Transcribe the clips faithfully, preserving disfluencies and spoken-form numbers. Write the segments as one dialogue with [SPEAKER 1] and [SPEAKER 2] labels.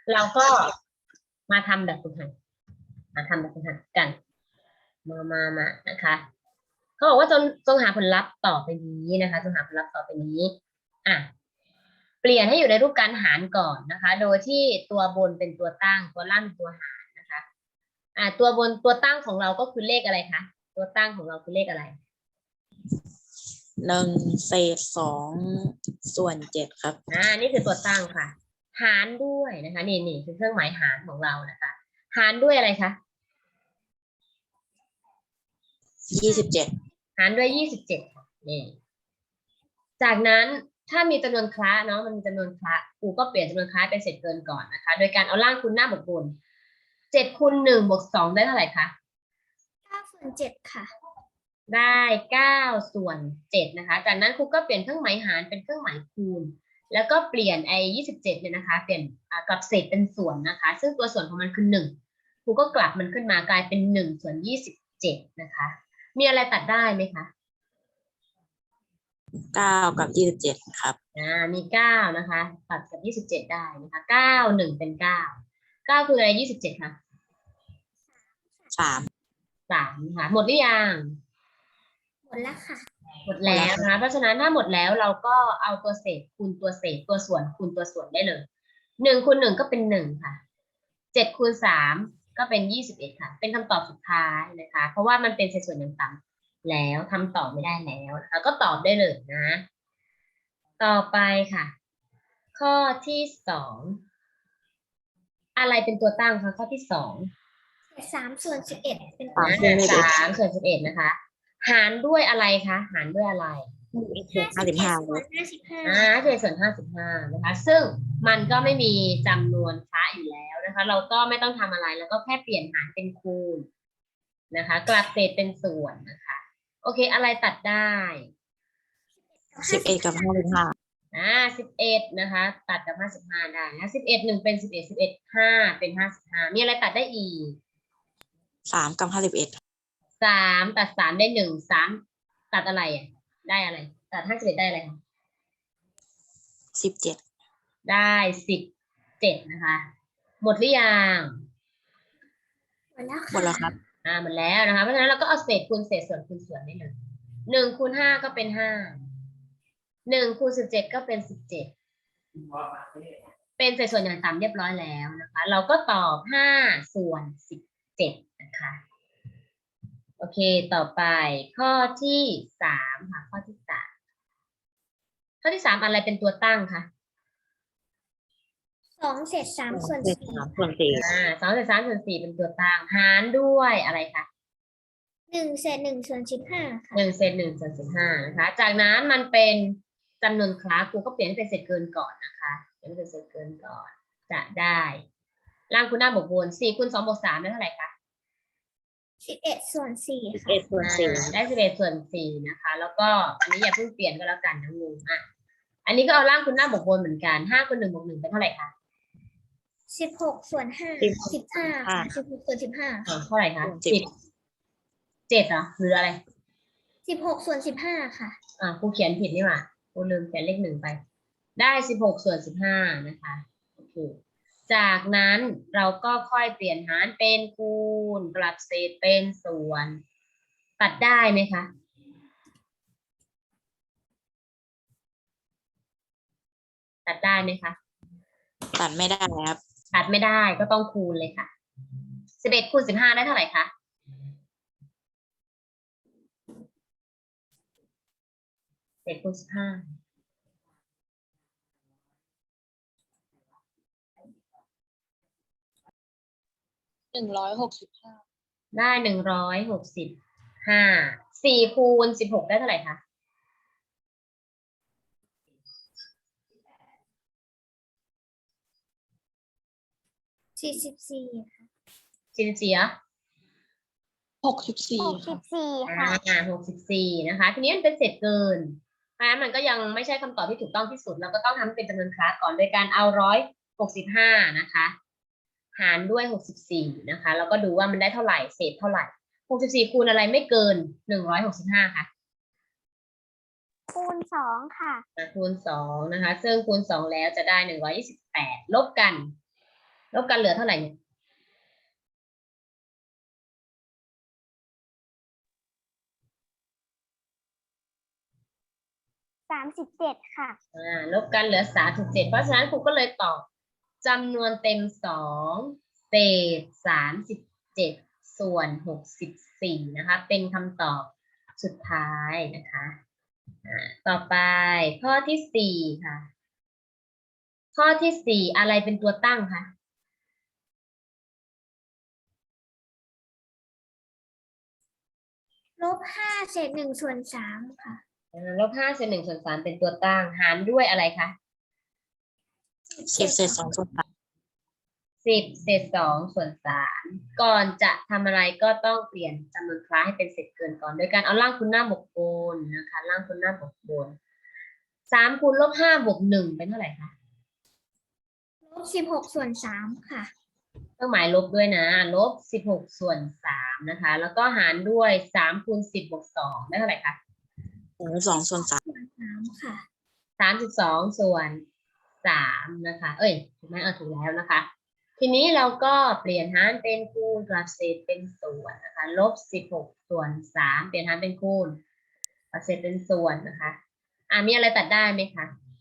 [SPEAKER 1] เราก็มาทำแบบฝึกหัดมาทำแบบฝึกหัดกันมามามานะคะเขาบอกว่าจงจงหาผลลัพธ์ต่อไปนี้นะคะจงหาผลลัพธ์ต่อไปนี้อ่ะเปลี่ยนให้อยู่ในรูปการหารก่อนนะคะโดยที่ตัวบนเป็นตัวตั้งตัวล่างเป็นตัวหารนะคะอ่ะตัวบนตัวตั้งของเราก็คือเลขอะไรคะตัวตั้งของเราคือเลขอะไร
[SPEAKER 2] หนึ่งเศษสองส่วนเจ็ดครับ
[SPEAKER 1] อ่านี่คือตัวตั้งค่ะหารด้วยนะคะนี่นี่คือเครื่องหมายหารของเรานะคะหารด้วยอะไรคะ
[SPEAKER 2] ยี่สิบเจ็ด
[SPEAKER 1] หารด้วยยี่สิบเจ็ดค่ะนี่จากนั้นถ้ามีจำนวนคละเนาะมันมีจำนวนคละครูก็เปลี่ยนจำนวนคละเป็นเศษเกินก่อนนะคะโดยการเอาล่างคูณหน้าบวกบนเจ็ดคูณหนึ่งบวกสองได้เท่าไหร่คะ
[SPEAKER 3] เก้าส่วนเจ็ดค่ะ
[SPEAKER 1] ได้เก้าส่วนเจ็ดนะคะจากนั้นครูก็เปลี่ยนเครื่องหมายหารเป็นเครื่องหมายคูณแล้วก็เปลี่ยนไอ้ยี่สิบเจ็ดเนี่ยนะคะเปลี่ยนกลับเศษเป็นส่วนนะคะซึ่งตัวส่วนของมันคือหนึ่งครูก็กลับมันขึ้นมากลายเป็นหนึ่งส่วนยี่สิบเจ็ดนะคะมีอะไรตัดได้ไหมคะ
[SPEAKER 2] เก้ากับยี่สิบเจ็ดครับ
[SPEAKER 1] อ่ามีเก้านะคะตัดกับยี่สิบเจ็ดได้นะคะเก้าหนึ่งเป็นเก้าเก้าคืออะไรยี่สิบเจ็ดค่ะ
[SPEAKER 2] สาม
[SPEAKER 1] สามค่ะหมดหรือยัง
[SPEAKER 3] หมดแล้วค่ะ
[SPEAKER 1] หมดแล้วนะคะเพราะฉะนั้นถ้าหมดแล้วเราก็เอาตัวเศษคูณตัวเศษตัวส่วนคูณตัวส่วนได้เลยหนึ่งคูณหนึ่งก็เป็นหนึ่งค่ะเจ็ดคูณสามก็เป็นยี่สิบเอ็ดค่ะเป็นคำตอบสุดท้ายนะคะเพราะว่ามันเป็นเศษส่วนอย่างต่ำแล้วทำต่อไม่ได้แล้วนะคะก็ตอบได้เลยนะต่อไปค่ะข้อที่สองอะไรเป็นตัวตั้งคะข้อที่สอง
[SPEAKER 3] สามส่วนสิบเอ็ดเป็น
[SPEAKER 1] สามส่วนสิบเอ็ดนะคะหารด้วยอะไรคะหารด้วยอะไร
[SPEAKER 2] ห้าสิบห้า
[SPEAKER 3] ส่วนห้าสิบห้า
[SPEAKER 1] อ่าเศษส่วนห้าสิบห้านะคะซึ่งมันก็ไม่มีจำนวนคละอยู่แล้วนะคะเราก็ไม่ต้องทำอะไรแล้วก็แค่เปลี่ยนหารเป็นคูณนะคะกลับเศษเป็นส่วนนะคะโอเคอะไรตัดได้
[SPEAKER 2] สิบเอ็ดกับห้าสิบห้า
[SPEAKER 1] อ่าสิบเอ็ดนะคะตัดกับห้าสิบห้าได้นะสิบเอ็ดหนึ่งเป็นสิบเอ็ดสิบเอ็ดห้าเป็นห้าสิบห้ามีอะไรตัดได้อีก
[SPEAKER 2] สามกับห้าสิบเอ็ด
[SPEAKER 1] สามตัดสามได้หนึ่งสามตัดอะไรอ่ะได้อะไรตัดห้าสิบเอ็ดได้อะไรคะ
[SPEAKER 2] สิบเจ็ด
[SPEAKER 1] ได้สิบเจ็ดนะคะหมดหรือยัง
[SPEAKER 3] หมดแล้ว
[SPEAKER 2] หมดแล้วครับ
[SPEAKER 1] อ่าหมดแล้วนะคะเพราะฉะนั้นเราก็เอาเศษคูณเศษส่วนคูณส่วนได้เลยหนึ่งคูณห้าก็เป็นห้าหนึ่งคูณสิบเจ็ดก็เป็นสิบเจ็ดเป็นเศษส่วนอย่างต่ำเรียบร้อยแล้วนะคะเราก็ตอบห้าส่วนสิบเจ็ดนะคะโอเคต่อไปข้อที่สามค่ะข้อที่สามข้อที่สามอะไรเป็นตัวตั้งคะ
[SPEAKER 3] สองเศษสามส่วนสี่
[SPEAKER 2] สามส่วนสี่
[SPEAKER 1] อ่าสองเศษสามส่วนสี่เป็นตัวตั้งหารด้วยอะไรคะ
[SPEAKER 3] หนึ่งเศษหนึ่งส่วนสิบห้าค่ะ
[SPEAKER 1] หนึ่งเศษหนึ่งส่วนสิบห้านะคะจากนั้นมันเป็นจำนวนคลาสครูก็เปลี่ยนให้เป็นเศษเกินก่อนนะคะเปลี่ยนเป็นเศษเกินก่อนจะได้ล่างคูณหน้าบวกบนสี่คูณสองบวกสามได้เท่าไหร่คะ
[SPEAKER 3] สิบเอ็ดส่วนสี่
[SPEAKER 2] สิบเอ็ดส่วนสี่
[SPEAKER 1] ได้สิบเอ็ดส่วนสี่นะคะแล้วก็อันนี้อย่าเพิ่งเปลี่ยนก็แล้วกันนะงูอ่ะอันนี้ก็เอาล่างคูณหน้าบวกบนเหมือนกันห้าคูณหนึ่งบวกหนึ่งเป็นเท่าไหร่คะ
[SPEAKER 3] สิบหกส่วนห้าสิบห้าสิบหกส่วนสิบห้า
[SPEAKER 1] เท่าไหร่คะสิบเจ็ดเหรอหรืออะไร
[SPEAKER 3] สิบหกส่วนสิบห้าค่ะ
[SPEAKER 1] อ่าครูเขียนผิดนี่หว่าครูลืมเขียนเลขหนึ่งไปได้สิบหกส่วนสิบห้านะคะโอเคจากนั้นเราก็ค่อยเปลี่ยนหารเป็นคูณกลับเศษเป็นส่วนตัดได้ไหมคะตัดได้ไหมคะ
[SPEAKER 2] ตัดไม่ได้ครับ
[SPEAKER 1] ตัดไม่ได้ก็ต้องคูณเลยค่ะสิบเอ็ดคูณสิบห้าได้เท่าไหร่คะสิบเอ็ดคูณสิบห้า
[SPEAKER 2] หนึ่งร้อยหกสิบห้า
[SPEAKER 1] ได้หนึ่งร้อยหกสิบห้าสี่คูณสิบหกได้เท่าไหร่คะ
[SPEAKER 3] สี่สิบสี่ค่ะ
[SPEAKER 1] สี่สิบสี่อ่ะ
[SPEAKER 2] หกสิบสี่
[SPEAKER 3] หกสิบสี่ค่ะ
[SPEAKER 1] อ่าหกสิบสี่นะคะทีนี้มันเป็นเศษเกินเพราะฉะนั้นมันก็ยังไม่ใช่คำตอบที่ถูกต้องที่สุดเราก็ต้องทำเป็นจำนวนคลาสก่อนโดยการเอาร้อยหกสิบห้านะคะหารด้วยหกสิบสี่นะคะแล้วก็ดูว่ามันได้เท่าไหร่เศษเท่าไหร่หกสิบสี่คูณอะไรไม่เกินหนึ่งร้อยหกสิบห้าค่ะ
[SPEAKER 3] คูณสองค่ะ
[SPEAKER 1] คูณสองนะคะซึ่งคูณสองแล้วจะได้หนึ่งร้อยยี่สิบแปดลบกันลบกันเหลือเท่าไหร่เนี่ย
[SPEAKER 3] สามสิบเจ็ดค่ะ
[SPEAKER 1] อ่าลบกันเหลือสามสิบเจ็ดเพราะฉะนั้นครูก็เลยตอบจำนวนเต็มสองเศษสามสิบเจ็ดส่วนหกสิบสี่นะคะเป็นคำตอบสุดท้ายนะคะอ่าต่อไปข้อที่สี่ค่ะ ข้อที่สี่อะไรเป็นตัวตั้งคะ
[SPEAKER 3] ลบห้าเศษหนึ่งส่วนสามค่ะ
[SPEAKER 1] อ่าลบห้าส่วนหนึ่งส่วนสามเป็นตัวตั้งหารด้วยอะไรคะ
[SPEAKER 2] สิบเศษสองส่วนสาม
[SPEAKER 1] สิบเศษสองส่วนสามก่อนจะทำอะไรก็ต้องเปลี่ยนจำนวนคล้ายให้เป็นเศษเกินก่อนโดยการเอาล่างคูณหน้าบวกบนนะคะล่างคูณหน้าบวกบนสามคูณลบห้าบวกหนึ่งเป็นเท่าไหร่คะ
[SPEAKER 3] ลบสิบหกส่วนสามค่ะ
[SPEAKER 1] เครื่องหมายลบด้วยนะลบสิบหกส่วนสามนะคะ แล้วก็หารด้วยสามคูณสิบบวกสองได้เท่าไหร่คะ
[SPEAKER 2] สองส่วนสาม
[SPEAKER 3] ส่วนสามค่ะ
[SPEAKER 1] สามสิบสองส่วนสามนะคะ เอ้ยถูกไหมเออถูกแล้วนะคะ ทีนี้เราก็เปลี่ยนหารเป็นคูณกลับเศษเป็นส่วนนะคะลบสิบหกส่วนสามเปลี่ยนหารเป็นคูณกลับเศษเป็นส่วนนะคะอ่ามีอะไรตัดได้ไหมคะ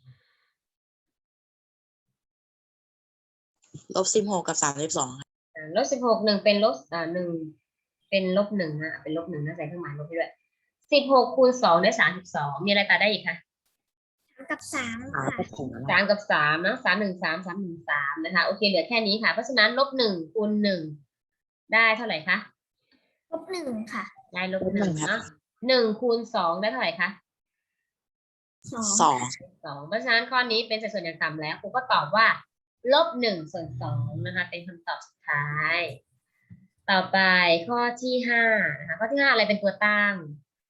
[SPEAKER 2] ลบสิบหกกับสามสิบสองค่ะ
[SPEAKER 1] อ่าลบสิบหกหนึ่งเป็นลบอ่าหนึ่งเป็นลบหนึ่งนะเป็นลบหนึ่งนะใส่เครื่องหมายลบให้ด้วยสิบหกคูณสองได้สามสิบสองมีอะไรตัดได้อีกคะ
[SPEAKER 3] สามกับสาม
[SPEAKER 2] หา
[SPEAKER 3] ค่ะ
[SPEAKER 2] ก็ถึงแล้ว
[SPEAKER 1] สามกับสามนะสามหนึ่งสามสามหนึ่งสามนะคะโอเคเหลือแค่นี้ค่ะเพราะฉะนั้นลบหนึ่งคูณหนึ่งได้เท่าไหร่คะ
[SPEAKER 3] ลบหนึ่งค่ะ
[SPEAKER 1] ได้ลบหนึ่งเนาะหนึ่งคูณสองได้เท่าไหร่คะ
[SPEAKER 3] สอง
[SPEAKER 2] สอง
[SPEAKER 1] สองเพราะฉะนั้นข้อนี้เป็นสัดส่วนอย่างต่ำแล้วครูก็ตอบว่าลบหนึ่งส่วนสองนะคะเป็นคำตอบสุดท้าย ต่อไปข้อที่ห้านะคะข้อที่ห้าอะไรเป็นตัวตั้ง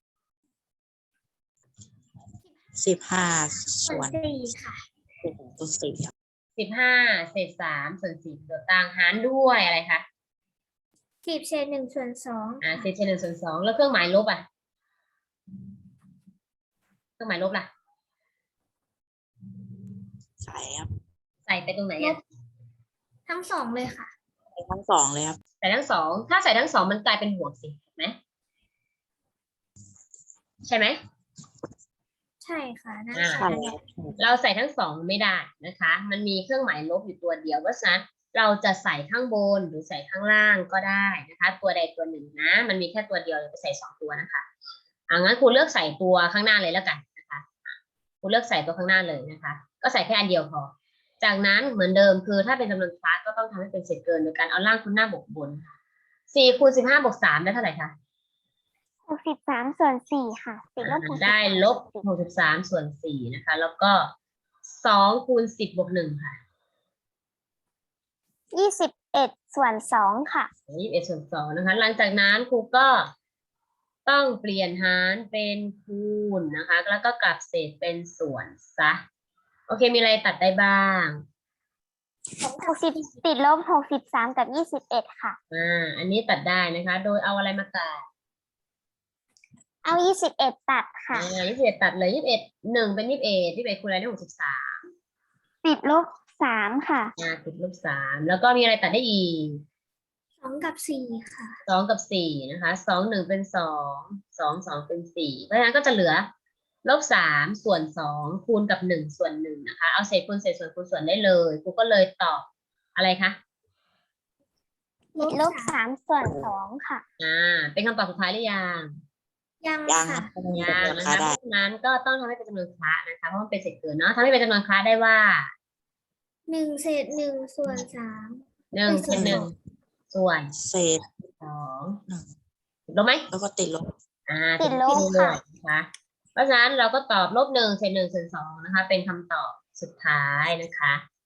[SPEAKER 2] สิบห้า
[SPEAKER 3] ส่
[SPEAKER 2] ส่
[SPEAKER 3] ว
[SPEAKER 2] วน น
[SPEAKER 3] สี่ค่ะ
[SPEAKER 2] ส่วนสี่ครับ
[SPEAKER 1] สิบห้าเศษสามส่วนสี่เป็นตัวตั้งหารด้วยอะไรคะ
[SPEAKER 3] สิบเศษหนึ่งส่วนสอง
[SPEAKER 1] อ่า
[SPEAKER 3] ค่ะ
[SPEAKER 1] เศษเฉลี่ยส่วนสองแล้วเครื่องหมายลบอ่ะเครื่องหมายลบล่ะ
[SPEAKER 2] ใส่ครับ
[SPEAKER 1] ใส่ไปตรงไหนอ่ะ
[SPEAKER 3] ทั้งสองเลยค่ะ
[SPEAKER 2] ใส่ทั้งสองเลยครับ
[SPEAKER 1] ใส่ทั้งสองถ้าใส่ทั้งสองมันกลายเป็นบวกสิถูกไหมใช่ไหม
[SPEAKER 3] ใช่ค่ะน่า
[SPEAKER 1] อ่า
[SPEAKER 3] ใช่
[SPEAKER 2] ใช่ครับ
[SPEAKER 1] เราใส่ทั้งสองไม่ได้นะคะ มันมีเครื่องหมายลบอยู่ตัวเดียวเพราะฉะนั้นเราจะใส่ข้างบนหรือใส่ข้างล่างก็ได้นะคะ ตัวใดตัวหนึ่งนะ มันมีแค่ตัวเดียวเลยไปใส่สองตัวนะคะอ่างั้นครูเลือกใส่ตัวข้างหน้าเลยแล้วกันนะคะครูเลือกใส่ตัวข้างหน้าเลยนะคะ ก็ใส่แค่อันเดียวพอ จากนั้นเหมือนเดิมคือถ้าเป็นจำนวนคลาสก็ต้องทำให้เป็นเศษเกินโดยการเอาล่างคูณหน้าบวกบนค่ะสี่คูณสิบห้าบวกสามได้เท่าไหร่คะ
[SPEAKER 3] หกสิบสามส่วนสี่ค่ะติดลบหกสิบ
[SPEAKER 1] ได้ลบหกสิบสามส่วนสี่นะคะ แล้วก็สองคูณสิบบวกหนึ่งค่ะ
[SPEAKER 3] ยี่สิบเอ็ดส่วนสองค่ะ
[SPEAKER 1] ยี่สิบเอ็ดส่วนสองนะคะ หลังจากนั้นครูก็ต้องเปลี่ยนหารเป็นคูณนะคะ แล้วก็กลับเศษเป็นส่วนซะ โอเค มีอะไรตัดได้บ้าง
[SPEAKER 3] หกสิบติดลบหกสิบสามกับยี่สิบเอ็ดค่ะ
[SPEAKER 1] อ่า อันนี้ตัดได้นะคะ โดยเอาอะไรมาตัด
[SPEAKER 3] เอายี่สิบเอ็ดตัดค่ะ
[SPEAKER 1] อ่ายี่สิบเอ็ดตัดเลยยี่สิบเอ็ดหนึ่งเป็นยี่สิบเอ็ดยี่สิบเอ็ดคูณอะไรได้หกสิบสาม
[SPEAKER 3] ติดลบสามค่ะ
[SPEAKER 1] อ่าติดลบสามแล้วก็มีอะไรตัดได้อีก
[SPEAKER 3] สองกับสี่ค่ะ
[SPEAKER 1] สองกับสี่นะคะสองหนึ่งเป็นสองสองสองเป็นสี่เพราะฉะนั้นก็จะเหลือลบสามส่วนสองคูณกับหนึ่งส่วนหนึ่งนะคะเอาเศษคูณเศษส่วนคูณส่วนได้เลยครูก็เลยตอบอะไรคะ
[SPEAKER 3] ติดลบสามส่วนสองค่ะ
[SPEAKER 1] อ่าเป็นคำตอบสุดท้ายหรือยัง
[SPEAKER 3] ยัง
[SPEAKER 2] ยังค
[SPEAKER 3] ค่ะ
[SPEAKER 2] รับ
[SPEAKER 1] ยังนะ
[SPEAKER 2] ราคา
[SPEAKER 1] คะเพ
[SPEAKER 2] ได้
[SPEAKER 1] ราะฉะนั้นก็ต้องทำให้เป็นจำนวนคละนะคะเพราะมันเป็นเศษเกินเนาะทำให้เป็นจำนวนคละได้ว่า
[SPEAKER 3] หนึ่งเศษหนึ่งส่วนสาม
[SPEAKER 1] หนึ่ง
[SPEAKER 3] เป็น
[SPEAKER 1] เป็นหนึ่งส่วน
[SPEAKER 2] เศษ
[SPEAKER 1] สอง
[SPEAKER 2] หนึ่ง
[SPEAKER 1] ถูกต้องไหม
[SPEAKER 2] แล้วก็ติดลบ
[SPEAKER 1] อ่า
[SPEAKER 3] ติดลบ
[SPEAKER 1] ติด
[SPEAKER 3] ค่ะ
[SPEAKER 1] นะคะเพราะฉะนั้นเราก็ตอบลบหนึ่งเศษหนึ่งส่วนสองนะคะ เป็นคำตอบสุดท้ายนะคะ